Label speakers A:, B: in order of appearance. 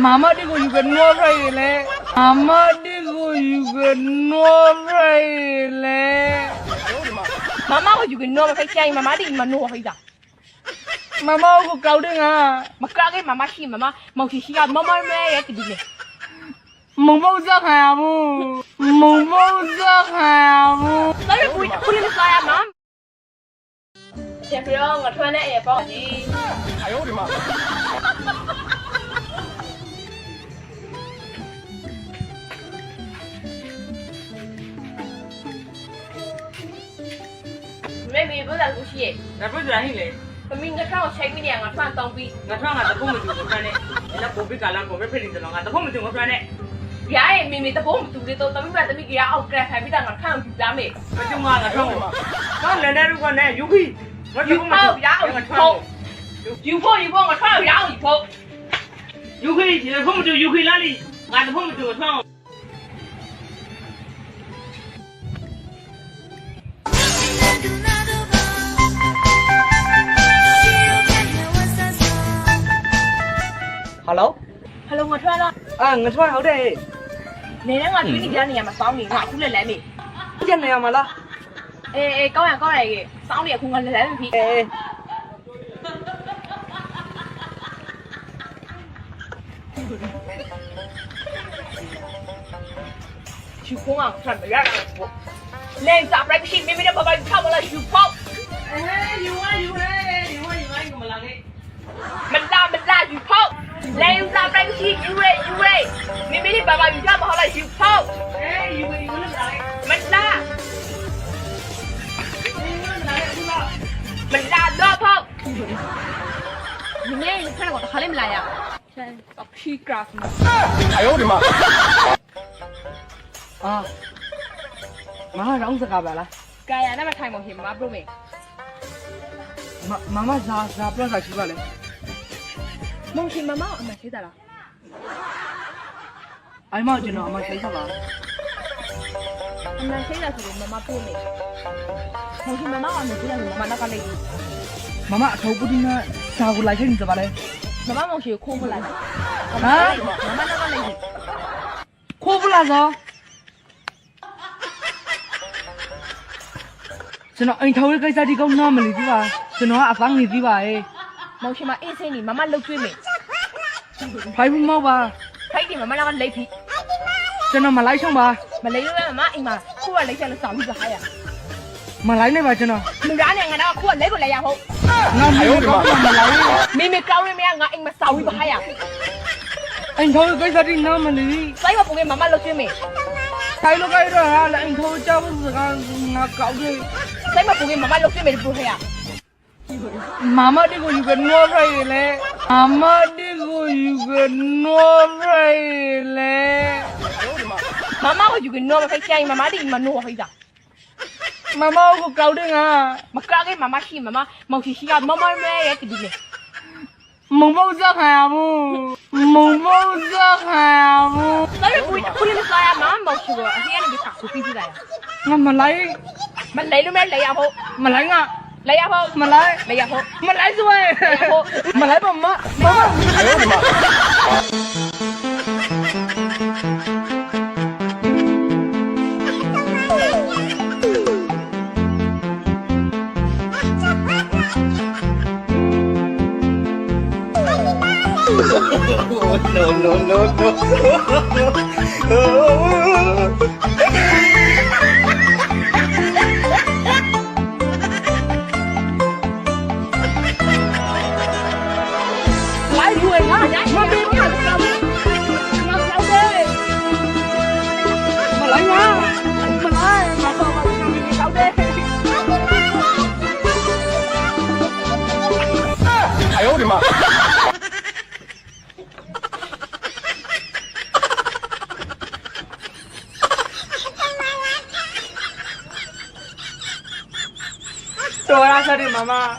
A: Mama đi ngồi gần nó rồi lẽ. Mama đi ngồi gần nó rồi lẽ.
B: Mama có juga no phải chay mama đi mà no phải da.
A: Mama có câu đi à?
B: Mà cái mama xí mama mau xí xí mama mẹ ya cái gì?
A: Mông bao giấc hà mu. Mông bao giấc hà mu.
B: Tới bụi lên sao à mắm? Chef rồi, ngồi thuê này bao gì?
C: 哎呦我的妈！
B: Mẹ mình bữa giờ cũng xí.
C: 那不是让你嘞？
B: Mình cái sao chạy mình ngồi thuê tông bi.
C: 我穿俺的不么就我穿的，那不比干了，不比配的了，俺的不么就我穿的，
B: Dạ mình tập bốn chục đi tôi tao biết kia ông kia phải biết rằng là khang chục giá mày.
C: 我就俺的穿我，俺来来如果来有可以，我就
B: Chịu
C: 我
B: phao
C: 们
B: giá
C: 就
B: ông
C: 俺穿
B: phô.
C: 我，
B: Chịu phô ngồi thuê giá ông phô.
C: 有可以，现在不么就有可以哪里，俺的不么就我穿我。
A: Hello.
B: Hello ngồi thuê đó.
A: À, người thuê ở đây.
B: Nè nó ngồi chuyến đi ra nhà mà sáu nghìn ngồi cũng lên lại mày.
A: Chân này mà lo.
B: Ê có này sáu nghìn không ngồi lên lại mày.
A: Ê.
B: Chịu không à, thật phải ra rồi. Lên dạp lại cái mình đã bảo bạn không là chịu không.
C: 有啊有嘞，有啊有啊，怎么了嘞？
B: Mình ra chịu không. Lên dạp lại cái yêu đây. Mình đã bảo bạn không là chịu không.
C: 哎，有啊有嘞，咋嘞？
B: Mình ra.
C: 咋嘞？不知道。
B: Mình ra đó không. Mình nghe cái này của thằng lên lại à. Tập khi craft.
C: 哎呦我的妈！
A: À. Mama rong sa ka ba la?
B: Kaya na matay mo him, bro me.
A: Mama za pro sa chi ba le?
B: Mong him mama ang masita la.
A: Ai ma jino ma sai sa ba?
B: Ang masita sa mama bro me. Mong him mama ang masita sa mama nakalay.
A: Mama thau pu din na sa ko lai chen sa ba le?
B: Mama mong siya ko pala.
A: Ha?
B: Mama nakalay.
A: Ko pu la so? Cho nó anh thâu cái ra đi công nam mà lý gì bà? Cho nó à phăng lý gì bà ấy?
B: Mong siya ma-isa ni mama lâu chuyên me.
A: Phải không mau bà?
B: Thấy thì mama nakalay phi.
A: Cho nó mà lấy xong bà?
B: Mà lấy luôn mama anh mà khu lấy cho nó sáu đi hai à.
A: Mà lấy này bà cho nó?
B: Mình ra này ngày nào khu lấy của lấy à hộ.
A: Ngon hay không mà lấy?
B: Mình câu đi mẹ ngã anh mà sáu đi hai à.
A: Anh thâu cái ra đi nam mà lý.
B: Lấy mà phụ em mama lâu chuyên me.
A: Thấy lúc ấy rồi à là anh thâu cho bây giờ ngà cậu đi.
B: Lấy mà phụ em mama lâu chuyên me được hai à.
A: Mama đi ngồi gần nó rồi lẽ. Mama đi ngồi gần nó rồi lẽ.
B: Mama có juga no phải chay mama đi mà no phải da.
A: Mama có câu đi à?
B: Mà cái mama xí mama mau xí xí mama mẹ ya cái gì.
A: Mông bao giấc hà mu. Mông bao giấc hà mu.
B: Tới bụi lên sao à mama mau xí rồi. Anh em bị sạc của cái gì đây à?
A: Mà lấy.
B: Mình lấy luôn mẹ lấy à hộ.
A: Mà lấy ngà.
B: Lấy à hộ.
A: Mà lấy.
B: Lấy à hộ.
A: Mà lấy rồi. Mà lấy bà má. Mama.
C: 哎呦我的妈！ no no no no
B: Lấy đuôi ngã nhá. Mà bị mà sao đi. Mà sao đi.
A: Mà lấy ngà.
B: Mà lấy mà sao mà sao đi.
C: 哎呦我的妈！
A: Rồi ra sao đi mama.